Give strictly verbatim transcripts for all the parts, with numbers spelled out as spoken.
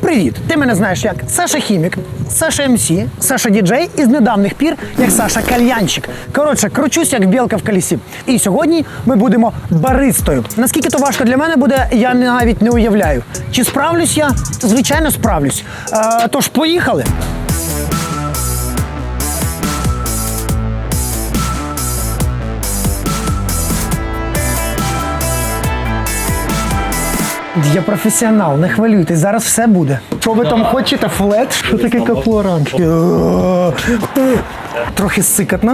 Привіт! Ти мене знаєш як Саша Хімік, Саша ем сі, Саша діджей і з недавніх пір як Саша Кальянщик. Коротше, кручусь як білка в колесі. І сьогодні ми будемо баристою. Наскільки то важко для мене буде, я навіть не уявляю. Чи справлюсь я? Звичайно, справлюсь. Е, тож, поїхали! Я професіонал, не хвилюйтесь, зараз все буде. Що ви там хочете? Флет? Що таке каплоранж? Трохи сикотно.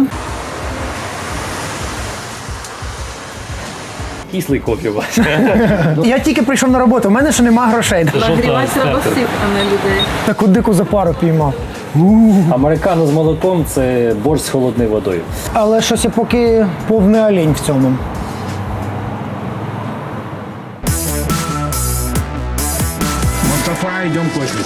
Кислий кофе у вас. Я тільки прийшов на роботу, в мене ще нема грошей. Нагрівати треба сип, а не людей. Таку дику запару піймав. Американо з молоком – це борщ з холодною водою. Але щось я поки повний олень в цьому. Мустафа, идем кофе.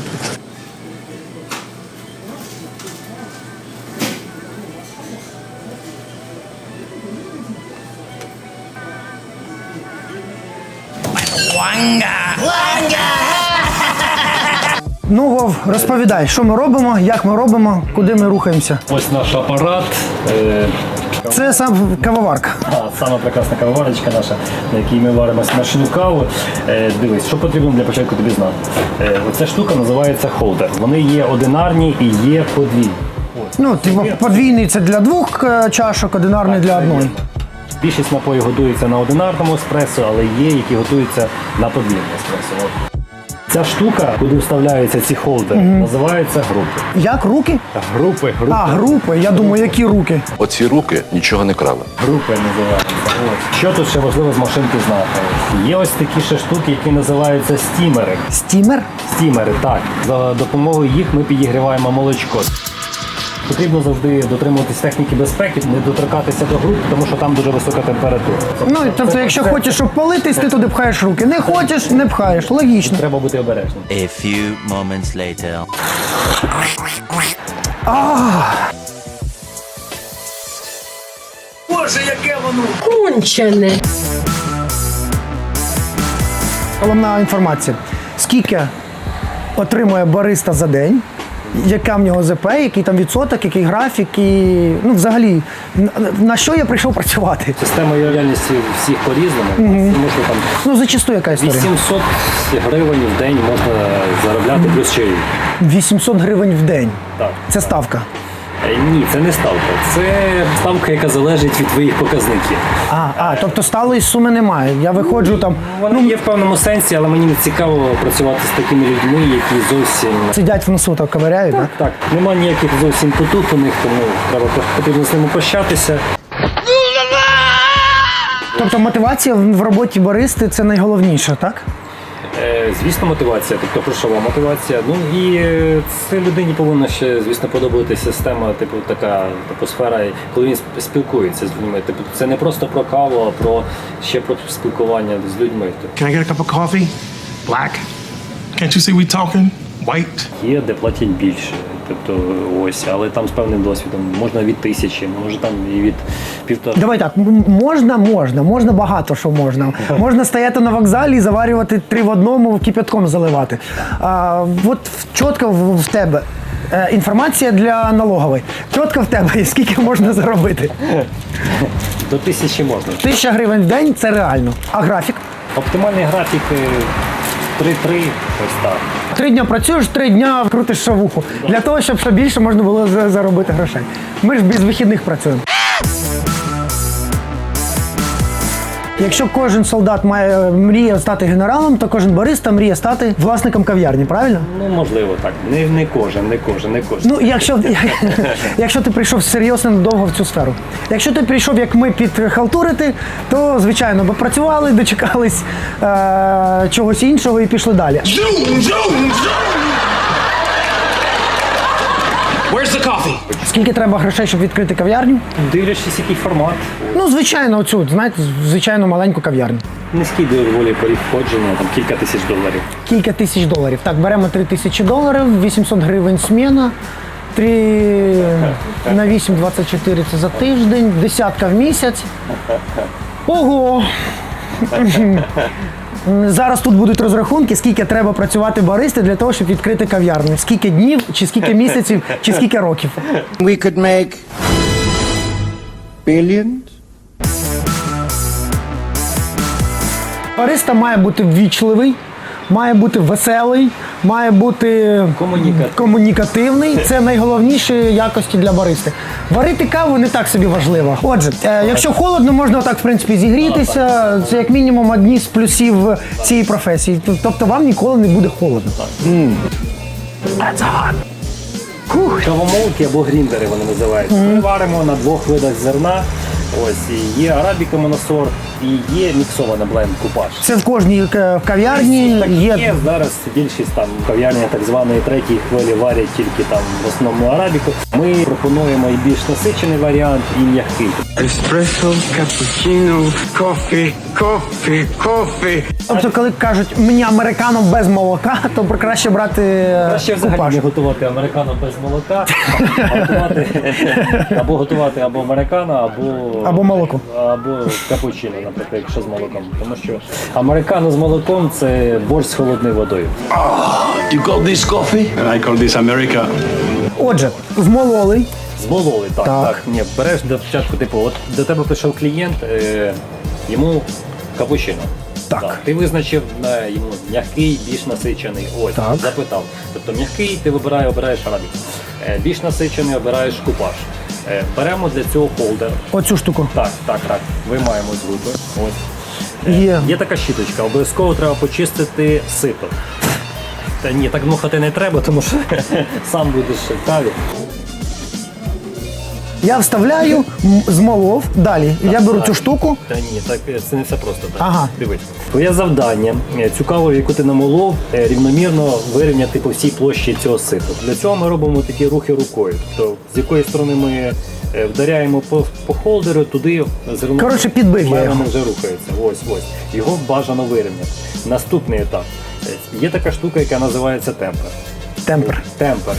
Ну, Вов, розповідай, що ми робимо, як ми робимо, куди ми рухаємося. Ось наш апарат. Е, Це сам кавоварка. а, Сама прекрасна кавоварочка наша, на якій ми варимо смачну каву. Е, дивись, що потрібно для початку тобі знати. Е, оця штука називається холдер. Вони є одинарні і є подвійні. Ну, типу, подвійний це для двох е, чашок, одинарний для одної. Більшість напоїв готується на одинарному еспресо, але є, які готуються на подвійному еспресо. От. Ця штука, куди вставляються ці холдери, mm-hmm. називається групи. Як руки? Групи, групи. А, групи. Я думаю, які руки? Оці руки нічого не крали. Групи називаються. От. Що тут ще важливо з машинки знати? Є ось такі ще штуки, які називаються стімери. Стімер? Стімери, так. За допомогою їх ми підігріваємо молочко. Потрібно завжди дотримуватись техніки безпеки, не доторкатися до груп, тому що там дуже висока температура. Ну, тобто, це, якщо це... хочеш, щоб палитись, ти туди пхаєш руки. Не хочеш, не пхаєш. Логічно. Треба бути обережним. A few moments later. Боже, яке воно! Кончене. Головна інформація. Скільки отримує бариста за день? Яка в нього ЗП, який там відсоток, який графік і, ну, взагалі, на що я прийшов працювати? Система лояльності всіх по-різному. Mm-hmm. Там ну, зачасту яка історія? вісімсот гривень в день можна заробляти mm-hmm. плюс чаї. вісімсот гривень в день? Так. Це ставка? Ні, це не ставка. Це ставка, яка залежить від твоїх показників. А, а тобто сталої суми немає. Я виходжу там... Вона ну, є в певному сенсі, але мені не цікаво працювати з такими людьми, які зовсім... Сидять в носу, так ковиряють, так? Так, так. Нема ніяких зовсім потух у них, тому треба, потрібно з ними прощатися. Тобто мотивація в роботі баристи – це найголовніше, так? Звісно, мотивація, тобто грошова мотивація. Ну і це людині повинна ще, звісно, подобатися система, типу така атмосфера, коли він спілкується з людьми. Типу, це не просто про каву, а про ще про спілкування з людьми. Can I get a cup of coffee? Black? Can't you see we talking? White? Є, де платять більше. Тобто ось, але там з певним досвідом. Можна від тисячі, може там і від півтора. Давай так, можна, можна, можна багато що можна. Можна стояти на вокзалі і заварювати три в одному, кипятком заливати. А, от чітко в, в тебе е, інформація для налогової. Чітко в тебе, скільки можна заробити? До тисячі можна. Тисяча гривень в день – це реально. А графік? Оптимальний графік три-три, ось так. Три дня працюєш, три дня крутиш шавуху. Для того, щоб ще більше можна було заробити грошей. Ми ж без вихідних працюємо. Якщо кожен солдат має мріє стати генералом, то кожен бариста мріє стати власником кав'ярні, правильно? Ну, можливо, так. Не, не кожен, не кожен, не кожен. Ну, якщо, якщо ти прийшов серйозно довго в цю сферу. Якщо ти прийшов, як ми, підхалтурити, то, звичайно, бо працювали, дочекались е- чогось іншого і пішли далі. Where's the coffee? Скільки треба грошей, щоб відкрити кав'ярню? Дивлячись, який формат. Ну, звичайно, оцю, знаєте, звичайно, маленьку кав'ярню. Низький доволі поріг входження, там кілька тисяч доларів. Кілька тисяч доларів. Так, беремо три тисячі доларів, вісімсот гривень сміна, три на вісім, двадцять чотири це за тиждень, десятка в місяць. Ого! М, Зараз тут будуть розрахунки, скільки треба працювати баристи для того, щоб відкрити кав'ярню. Скільки днів, чи скільки місяців, чи скільки років. We could make billions. Бариста має бути ввічливий, має бути веселий, має бути Комунікативний. комунікативний. Це найголовніші якості для баристи. Варити каву не так собі важливо. Отже, е, якщо холодно, можна отак, в принципі, зігрітися. Це як мінімум одні з плюсів цієї професії. Тобто вам ніколи не буде холодно. That's hot. Фух. Кавомолки або гріндери вони називаються. Ми варимо на двох видах зерна. Ось і є арабіка моносорт і є міксована бленд купаж. Це в кожній е, кав'ярні Так є. є зараз більшість там кав'ярні так званої третьої хвилі варять тільки там в основному арабіку. Ми пропонуємо і більш насичений варіант, і м'який. Espresso, cappuccino, coffee, coffee, coffee. Тобто, коли кажуть мені американо без молока, то краще брати е, Краще взагалі купаж. не готувати американо без молока, а готувати або готувати або американо, або Або молоко. або капучино, наприклад, якщо з молоком. Тому що американо з молоком це борщ з холодною водою. You call this coffee? And I call this America. Отже, змололи. Змололи, так, Так. так. Ні, береш до початку, типу, от до тебе прийшов клієнт, е, йому капучино. Так. Ти визначив е, йому м'який, більш насичений. Ось, Так. запитав. Тобто м'який ти вибирає, обираєш арабік. Е, більш насичений обираєш купаж. Е, беремо для цього холдер. Оцю штуку. Так, так, так. Виймаємо з групи. Ось. Е, Є. Є така щіточка, обов'язково треба почистити сито. Та ні, так дмухати не треба, тому що сам будеш в каві. Я вставляю, м- змолов. Далі. Я беру цю штуку. Та ні, так е, це не все просто. Так. Ага. Дивись. Твоє завдання е, цю каву, яку ти намолов, е, рівномірно вирівняти по всій площі цього ситу. Для цього ми робимо такі рухи рукою. Тобто, з якої сторони ми е, вдаряємо по, по холдеру, туди зерно. Коротше, підбив я його. вже рухається. Ось, ось. Його бажано вирівняти. Наступний етап. Е, Є така штука, яка називається темпер. Темпер. Темпер.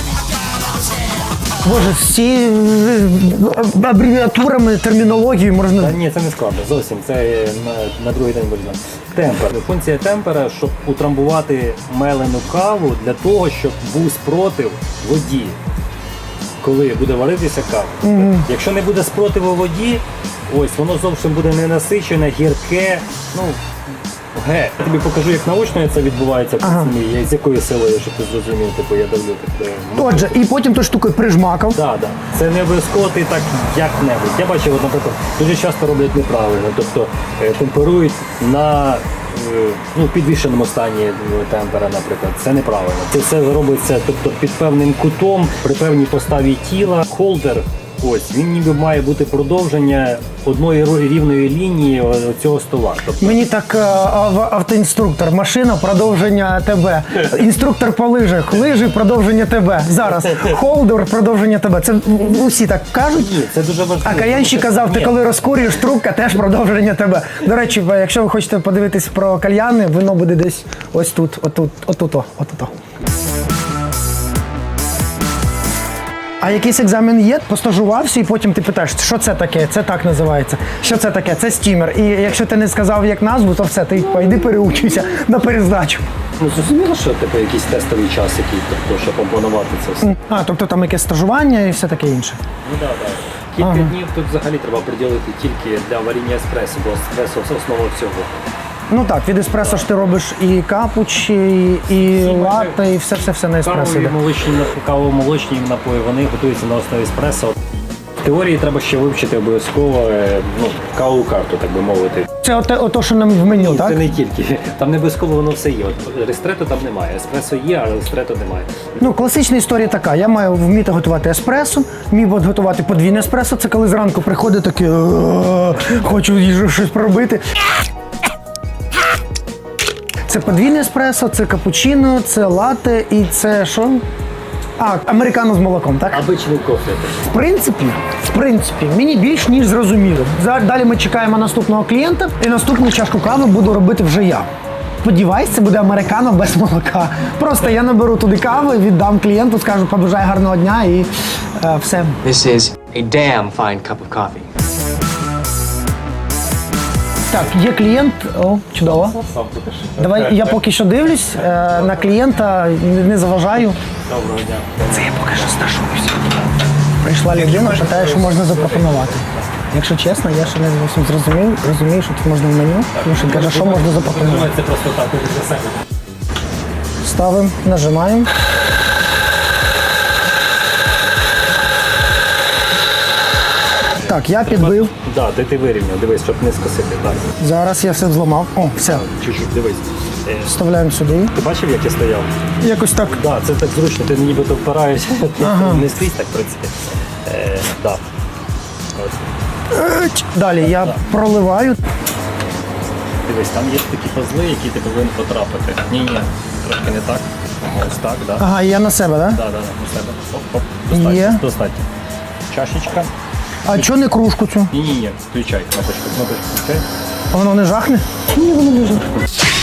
Боже, всі е, абревіатурами, термінологією Та можна. ні, це не складно. Зовсім це е, на, на другий день буде знати. Темпер. Функція темпера, щоб утрамбувати мелену каву для того, щоб був спротив воді, коли буде варитися кава. Mm-hmm. Якщо не буде спротиву воді, ось воно зовсім буде ненасичене, гірке. Ну, ге. Я тобі покажу, як наочно це відбувається в Ага. ага. з якою силою, щоб ти зрозумів, типу я давлю. Тобто, ну, Отже, і потім ту штукою прижмакав. Так, так. Це не обов'язково ти так як-небудь. Я бачив, от, наприклад, дуже часто роблять неправильно. Тобто е, темперують на е, ну, підвішеному стані е, темпера, наприклад. Це неправильно. Це все робиться тобто, під певним кутом, при певній поставі тіла. Холдер, ось, він ніби має бути продовження одної ро- рівної лінії о- цього стола. Тобто, Мені так е, ав- автоінструктор, машина, продовження тебе. Інструктор по лижах, лижі, продовження тебе. Зараз холдер, продовження тебе. Це в- усі так кажуть. ні, це дуже важливо. А Каянщик казав, ти Ні. коли розкурюєш, трубка теж продовження тебе. До речі, якщо ви хочете подивитись про кальяни, воно буде десь ось тут, отут, отут, отут. А якийсь екзамен є, постажувався, і потім ти питаєш, що це таке, це так називається, що це таке, це стімер. І якщо ти не сказав як назву, то все, ти пойди переучуйся на перездачу. Ну, зрозуміло, що типу, якийсь тестовий час, який, тобто, щоб опанувати це все. А, тобто там якесь стажування і все таке інше. Ну так, так. Кілька днів тут взагалі треба приділити тільки для варіння еспресо, бо еспресо це основа всього. Ну так, від еспресо ж ти робиш і капучі, і, і латте, і все-все-все на еспресо. Кавові йде. молочні, кавово-молочні напої, вони готуються на основі еспресо. В теорії треба ще вивчити обов'язково е, ну, кавову карту, так би мовити. Це ото, ото, що нам в меню, Ні, так? це не тільки. Там не обов'язково воно все є. От рестрето там немає. Еспресо є, а рестрето немає. Ну, класична історія така. Я маю вміти готувати еспресо, міг би готувати подвійне еспресо. Це коли зранку приходить таке, «Е, хочу їжу щось проробити. Це подвійне еспресо, це капучино, це латте і це що? А, американо з молоком, так? Обичний кофе. В принципі, в принципі, мені більш ніж зрозуміло. За- Далі ми чекаємо наступного клієнта, і наступну чашку кави буду робити вже я. Сподіваюсь, це буде американо без молока. Просто я наберу туди кави, віддам клієнту, скажу, побажай гарного дня і е, все. This is a damn fine cup of coffee. Так, є клієнт. О, чудово. Давай я поки що дивлюсь е, на клієнта, не- не заважаю. Доброго дня. Це я поки що стажуюся. Прийшла людина, питає, що можна запропонувати. Якщо чесно, я ще не зовсім зрозумів, розумію, що тут можна в меню, тому що каже, що можна запропонувати. Це просто так, для себе. Ставимо, нажимаємо. Так, я підбив. Так, де ти вирівняв, дивись, щоб не скосити. Так, Зараз я все зламав. О, все. чуть-чуть, дивись. Е, Вставляємо сюди. Ти бачив, як я стояв? Якось так. Так, це так зручно, ти нібито впираєшся, ти не скрізь так, в принципі. Е, да. Ось. Еч. Далі я проливаю. Дивись, там є такі пазли, які ти повинен потрапити. Ні, ні, трошки не так. Ось так, так. Да. Ага, я на себе, так? Да? Да, да, да, у себе. Оп, оп. Достатньо, Є. достатньо. Чашечка. А чого не кружку цю? Ні, ні, ні, включай, кнопочку, кнопочку включай. А воно не жахне? Ні, воно не жахне.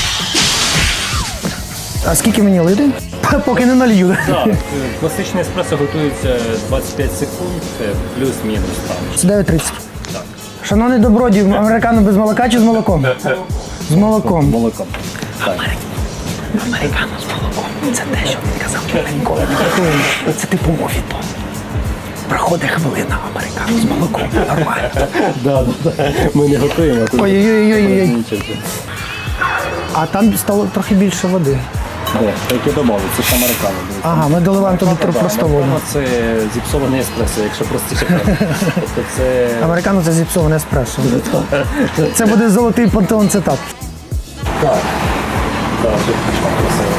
А скільки мені лити? Поки не налью. Так, класичний еспресо готується двадцять п'ять секунд, це плюс-мінус там. Це дев'ять тридцять. Так. Шановний добродій, американо без молока чи з молоком? З молоком. Молоком. Так. Американо з молоком. Це те, що він казав, що ми ніколи не готуємо. Це типу мовіто. Проходить хвилина американо з молоком. Нормально. Да, да, да. Ми не готуємо. а тут- Ой-ой-ой. Нічого. А там стало трохи більше води. Де? Так і домовив, це ж американо. дивіться. Ага, ми доливаємо туди Да, просто воду. американо це зіпсований еспресо, якщо простіше казати. Тобто це... Американо це зіпсоване еспресо. Це буде золотий пантеон цитат. Так. Так, тут пішло красиво.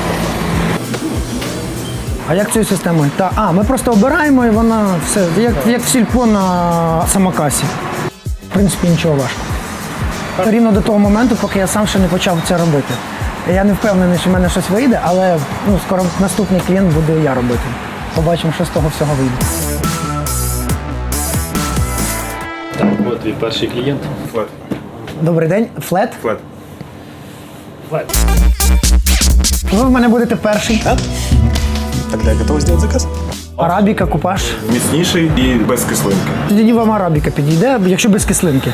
А як цією системою? Та, а, ми просто обираємо і вона все, як, як в сільпо на самокасі. В принципі, нічого важкого. Рівно до того моменту, поки я сам ще не почав це робити. Я не впевнений, що в мене щось вийде, але ну, скоро наступний клієнт буду я робити. Побачимо, що з того всього вийде. Так, от твій перший клієнт. Добрий день, флет. Флет. Флет. Ви в мене будете перший. Тогда я готов сделать заказ. Арабіка, купаж. Міцніший і без кислинки. Тоді вам арабіка підійде, якщо без кислинки.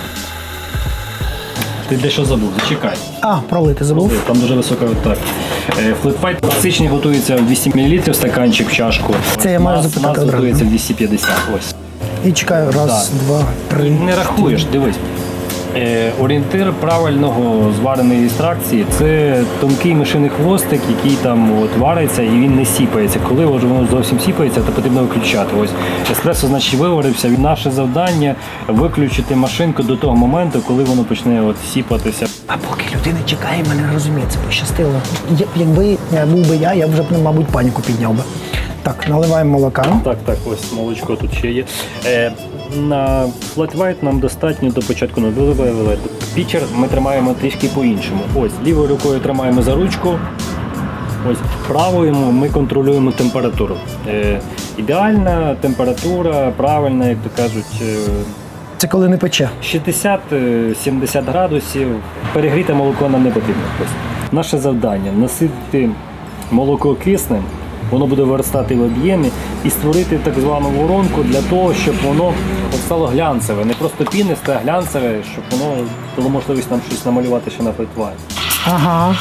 Ти дещо забув, зачекай. А, пролити забув. Там дуже висока так. Флетфайт класичний готується в двісті мілілітрів стаканчик в чашку. Це я маю Нас- запитати нас одразу. готується в двісті п'ятдесят. Ось. І чекаю, раз, Так. два, три. Не рахуєш, дивись. Е, орієнтир правильного звареної екстракції – це тонкий мишиний хвостик, який там от вариться і він не сіпається. Коли вже воно зовсім сіпається, то потрібно виключати. Ось еспресо, значить, виварився. Наше завдання – виключити машинку до того моменту, коли воно почне от сіпатися. А поки людина чекає, мене розуміє, це пощастило. Я- Якби я був би я, я б вже, мабуть, паніку підняв би. Так, наливаємо молока. Так, так, ось молочко тут ще є. Е, на Flat White нам достатньо до початку не виливали. Пічер ми тримаємо трішки по-іншому. Ось, лівою рукою тримаємо за ручку. Ось правою ми контролюємо температуру. Е, ідеальна температура, правильна, як то кажуть, е, Це коли не пече. шістдесят-сімдесят градусів. Перегріте молоко нам не потрібно. Ось. Наше завдання наситити молоко киснем, воно буде виростати в об'ємі і створити так звану воронку для того, щоб воно от стало глянцеве. Не просто пінисте, а глянцеве, щоб воно дало можливість нам щось намалювати ще на флетвайт. Ага.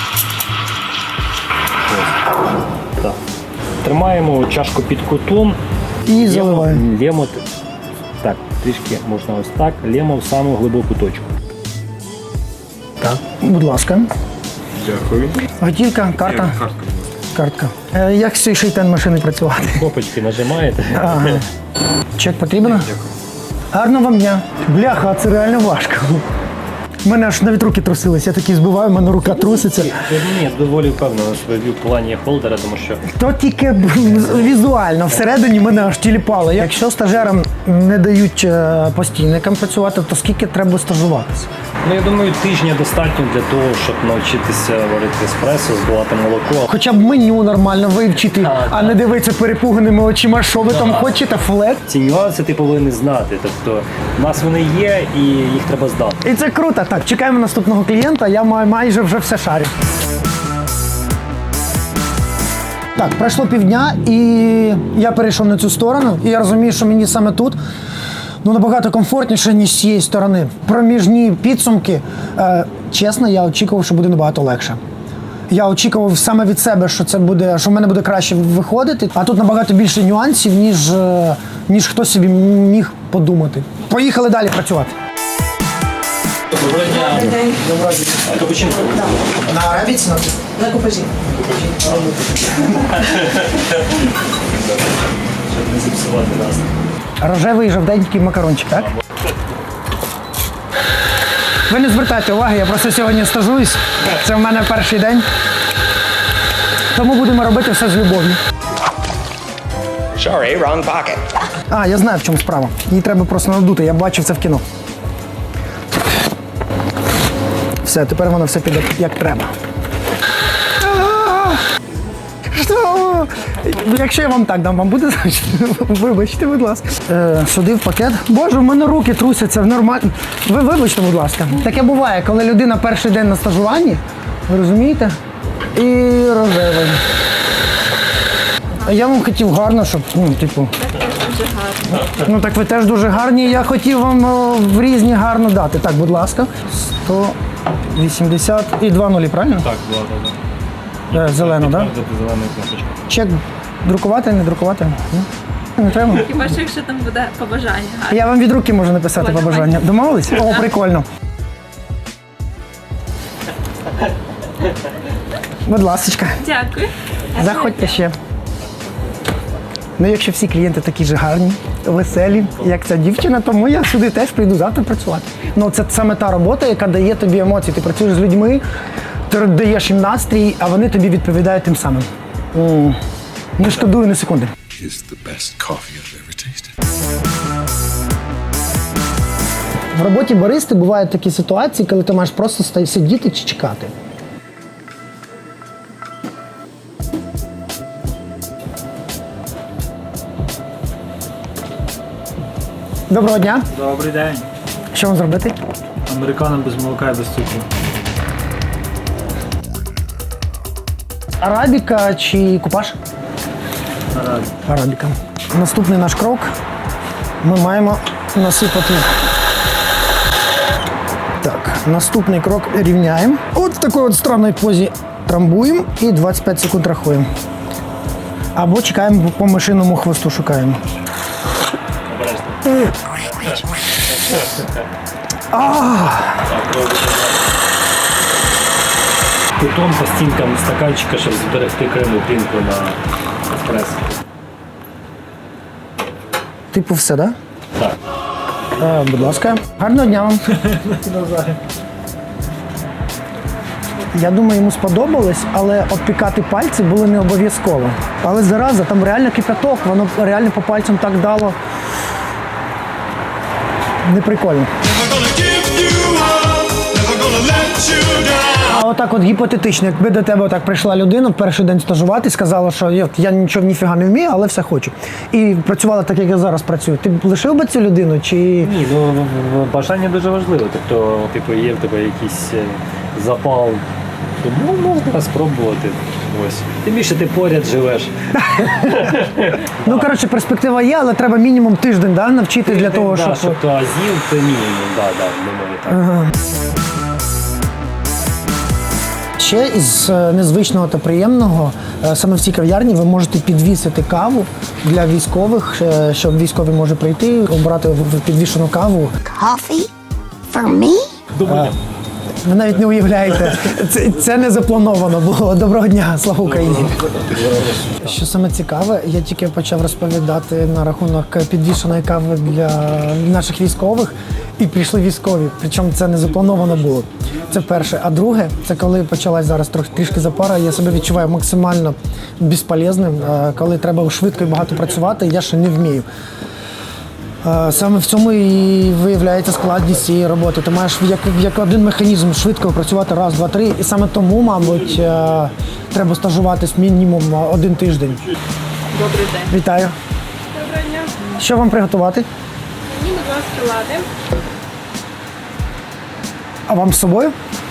Так. Тримаємо чашку під кутом. І заливаємо. Лємо, так, трішки можна ось так, лємо в саму глибоку точку. Так. Будь ласка. Дякую. Готівка, карта. Картка. Картка. Е, як з цією шейтен машини працювати? Кнопочки нажимаєте. Ага. Чек потрібен? Гарного вам дня. Бляха, а це реально важко. У мене аж навіть руки трусились, я такий збиваю, в мене рука труситься. Ні, доволі впевнено собі в плані холдера, тому що То тільки б- візуально, всередині мене аж тіліпало. Якщо стажерам не дають е, постійникам працювати, то скільки треба стажуватися? ну, я думаю, тижня достатньо для того, щоб навчитися варити еспресо, збивати молоко. Хоча б меню нормально вивчити, а не дивитися перепуганими очима, що ви там хочете, флет. Ці нюанси ти повинен знати. Тобто, в нас вони є і їх треба здати. І це круто. Так, чекаємо наступного клієнта, я май- майже вже все шарю. Так, пройшло півдня, і я перейшов на цю сторону, і я розумію, що мені саме тут ну, набагато комфортніше, ніж з цієї сторони. Проміжні підсумки, е, чесно, я очікував, що буде набагато легше. Я очікував саме від себе, що це буде, що в мене буде краще виходити, а тут набагато більше нюансів, ніж, е, ніж хтось собі міг подумати. Поїхали далі працювати. Доброго дня. Доброго дня. А капучинко? На арабіці? На купажі. Щоб не зіпсувати нас. Рожевий жовтенький макарончик, так? Ви не звертайте уваги, я просто сьогодні стажуюсь. Це в мене перший день. Тому будемо робити все з любов'ю. Sorry, wrong pocket. А, я знаю, в чому справа. Її треба просто надути, я бачив це в кіно. Все, тепер воно все піде як треба. Що? Якщо я вам так дам, вам буде зручно? Вибачте, будь ласка. Е, сюди в пакет. Боже, в мене руки трусяться, нормально. Ви вибачте, будь ласка. Таке буває, коли людина перший день на стажуванні, ви розумієте? І рожевий. А я вам хотів гарно, щоб, ну, типу. Ну так ви теж дуже гарні. Я хотів вам о, в різні гарно дати. Так, будь ласка. сто вісімдесят і два нулі, правильно? Так, була, так. Е, Зелено, так? Дати зелену кнопочку. Чек друкувати, не друкувати? Ні? Не треба? Хіба що якщо там буде побажання. Я вам від руки можу написати Ой, побажання. Домовились? О, прикольно. Будь ласочка, Дякую. заходьте ще. Ну, якщо всі клієнти такі ж гарні, веселі, як ця дівчина, тому я сюди теж прийду завтра працювати. Ну, це саме та робота, яка дає тобі емоції. Ти працюєш з людьми, ти даєш їм настрій, а вони тобі відповідають тим самим. М. Не шкодую ні секунди. It's the best coffee I've ever tasted. В роботі баристи бувають такі ситуації, коли ти маєш просто ста- сидіти чи чекати. Доброго дня. Добрий день. Що вам зробити? Американо без молока і без цукру. Арабіка чи купаж? Наразі. Арабіка. Наступний наш крок. Ми маємо насипати. Так, наступний крок рівняємо. От в такій от странній позі трамбуємо і двадцять п'ять секунд рахуємо. Або чекаємо по мишиному хвосту, шукаємо. Кутом по стінкам стаканчика, щоб зберегти кремну пінку на еспресо. Типу все, так? Так. Е, будь ласка. Гарного дня вам. Я думаю, йому сподобалось, але обпікати пальці було не обов'язково. Але зараза, там реально кипяток, воно реально по пальцям так дало. Неприкольно. А отак от гіпотетично, якби до тебе отак прийшла людина в перший день стажувати, сказала, що я, я нічого ніфіга не вмію, але все хочу. І працювала так, як я зараз працюю. Ти б лишив би цю людину чи. Ні, ну в- в- бажання дуже важливо. Тобто, типу, є в тебе якийсь е, запал, тому можна спробувати. Ось. Тим більше ти поряд живеш. Ну, коротше, перспектива є, але треба мінімум тиждень, да, навчити для того, Да, щоб. щоб то азів, це мінімум, да, да, думаю, так. Ще із е, незвичного та приємного, е, саме в цій кав'ярні ви можете підвісити каву для військових, е, щоб військовий може прийти, обрати в- в підвішену каву. Coffee? For me? Ви навіть не уявляєте, це, це не заплановано було. Доброго дня, слава Україні! Що саме цікаве, я тільки почав розповідати на рахунок підвішеної кави для наших військових, і прийшли військові. Причому це не заплановано було. Це перше. А друге, це коли почалась зараз трохи трішки запара, я себе відчуваю максимально безполезним, е, коли треба швидко і багато працювати, я ще не вмію. Е, Саме в цьому і виявляється складність цієї роботи. Ти маєш як, як один механізм швидко працювати раз, два, три. І саме тому, мабуть, е, треба стажуватись мінімум один тиждень. Добрий день. Вітаю. Доброго дня. Що вам приготувати? Мені, будь ласка, лади. А вам з собою?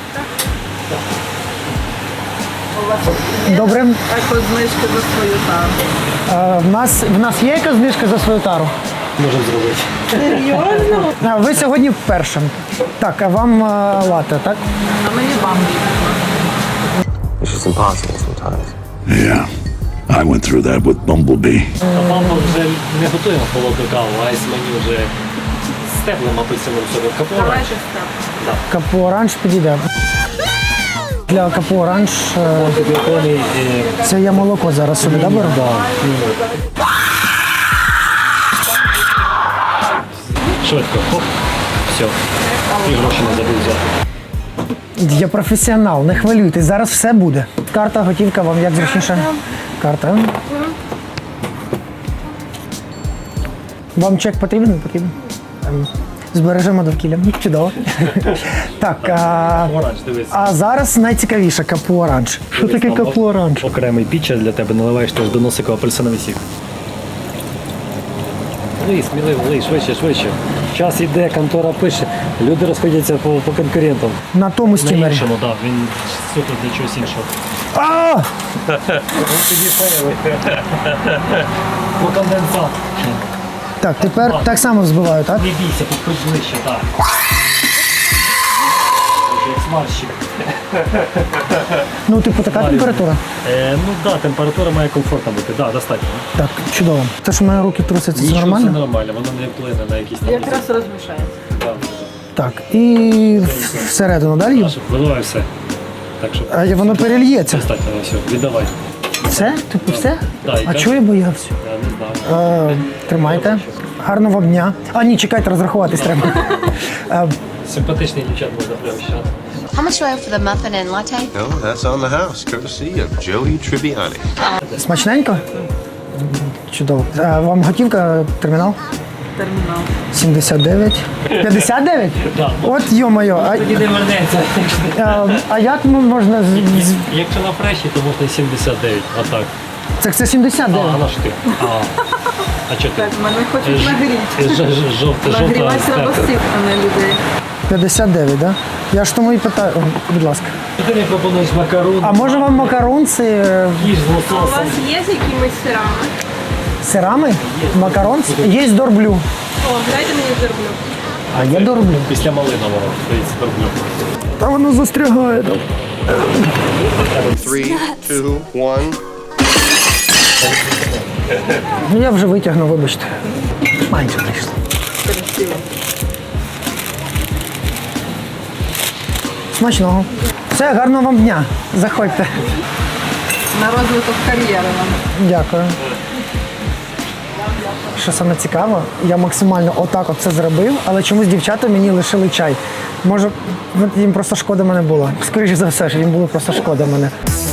Добре. Еко знижки за свою тару. Е, В нас, в нас є якась знижка за свою тару? можемо зробити. Серйозно? А, ви сьогодні вперше. Так, а вам а, лате, так? А мені бамбі. It's just impossible sometimes. Yeah. I went through that with Bumblebee. А мама вже не готуємо холодну каву, а ось мені вже з теплим апельсиновим соком. Капу оранж. Давайте став. Капу оранж підійде. Для капу оранж е, Антибіотони і це я молоко зараз собі да, беру? швидко. Хоп. Все. І гроші не забув взяти. Я професіонал, не хвилюйтесь, зараз все буде. Карта, готівка, вам як зручніше? Карта. Вам чек потрібен? Не потрібен? Ем, Збережемо довкілля. Чудово. Так, а, Оранж, дивись. а зараз найцікавіше капу оранж. Що таке Дивись, там капу оранж? Окремий пічер для тебе, наливаєш теж до носика апельсиновий сік. Лий, сміливо, лий, швидше, швидше. Час іде, контора пише, люди розходяться по, по конкурентам. На тому На стімері. іншому, так, він суто для чогось іншого. А! Тоді фейли. По конденсат. Так, тепер так само взбиваю, так? Не бійся, підходь ближче, так. Як смарщик. Ну, типу, така температура? Е, ну так, да, температура має комфортна бути, так, да, достатньо. Так, чудово. Те, що в мене руки трусяться, це Нічого, нормально? Це нормально, воно не вплине на якісь там. Якраз розмішається. Да. Так, і в- всередину далі? Так, щоб виливай все. Так, щоб А я- воно перельється. достатньо, все, віддавай. Все? Типу все? Да, і А так. чого я боявся? Я не знаю. Е, Тримайте. Гарного вам дня. А ні, чекайте, розрахуватись треба. Е, Симпатичний дівчат можна прямо ще. How much do I owe for the muffin and latte? No, that's on the house, courtesy of Joey Tribbiani. Смачненько? Чудово. Е, Вам готівка, термінал? Термінал. сімдесят дев'ять. п'ятдесят дев'ять? Так. От йо-моє. А, Тоді не вернеться. е, а як м- можна... з- з- Якщо на фреші, то можна сімдесят дев'ять, а так. Це, це сімдесят А, дев'ять. а на що ти? А, а чого ти? Так, мене хочуть Ж- нагріти. ж- ж- Жовта, жовта. Нагрівати треба степка. всіх, а не людей. п'ятдесят дев'ять, так? Да? Я ж тому і питаю. О, будь ласка. Ти мені пропонуєш макарон. А може вам макаронці е, їж з А у лососем. вас є з якимись сирами? сирами? Макарон? Є дорблю. О, дайте мені зерблю. А є дорблю. Після малинового, здається, торблю. Та воно застрягає. там. Three, two, one. Ну я вже витягну, вибачте. Менше прийшло. Красиво. Смачного. Все, гарного вам дня. Заходьте. На розвиток кар'єри вам. Дякую. Що саме цікаво, я максимально отак от це зробив, але чомусь дівчата мені лишили чай. Може, їм просто шкода мене було. Скоріше за все, що їм було просто шкода мене.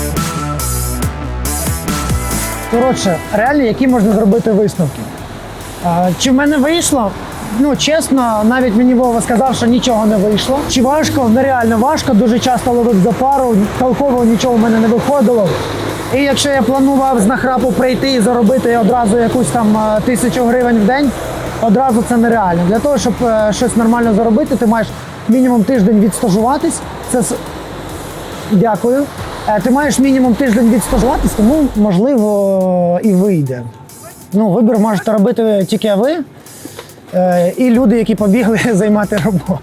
Коротше, реально, які можна зробити висновки? А, чи в мене вийшло? Ну, чесно, навіть мені Вова сказав, що нічого не вийшло. Чи важко? Нереально важко, дуже часто ловив за пару, толково нічого в мене не виходило. І якщо я планував з нахрапу прийти і заробити одразу якусь там а, тисячу гривень в день, одразу це нереально. Для того, щоб е, щось нормально заробити, ти маєш мінімум тиждень відстажуватись. Це с- Дякую. Е, Ти маєш мінімум тиждень відстажуватись, тому можливо і вийде. Ну, вибір можете робити тільки ви е, і люди, які побігли займати роботу.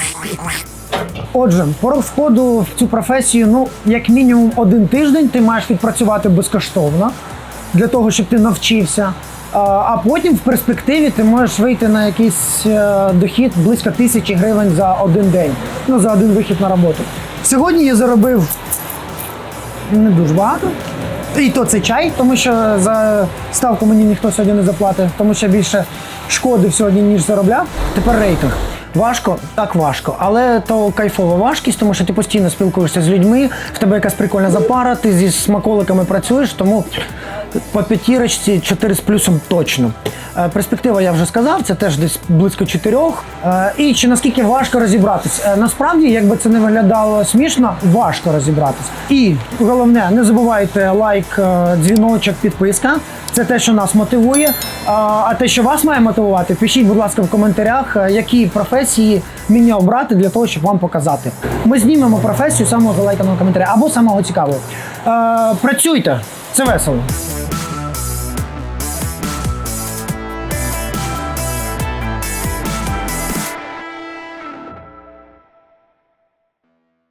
Отже, порог входу в цю професію, ну, як мінімум один тиждень ти маєш відпрацювати безкоштовно для того, щоб ти навчився. А, а потім в перспективі ти можеш вийти на якийсь е, дохід близько тисячі гривень за один день, ну, за один вихід на роботу. Сьогодні я заробив не дуже багато. І то це чай, тому що за ставку мені ніхто сьогодні не заплатить, тому що більше шкодив сьогодні, ніж заробляв. Тепер рейтинг. Важко, так важко, але то кайфова важкість, тому що ти постійно спілкуєшся з людьми, в тебе якась прикольна запара, ти зі смаколиками працюєш, тому по п'ятірочці чотири з плюсом точно. Е, Перспектива, я вже сказав, це теж десь близько чотирьох. Е, І чи наскільки важко розібратись? Е, Насправді, якби це не виглядало смішно, важко розібратись. І головне, не забувайте лайк, е, дзвіночок, підписка. Це те, що нас мотивує. А, А те, що вас має мотивувати, пишіть, будь ласка, в коментарях, е, які професії мені обрати для того, щоб вам показати. Ми знімемо професію самого залайканого коментаря або самого цікавого. Е, Працюйте, це весело.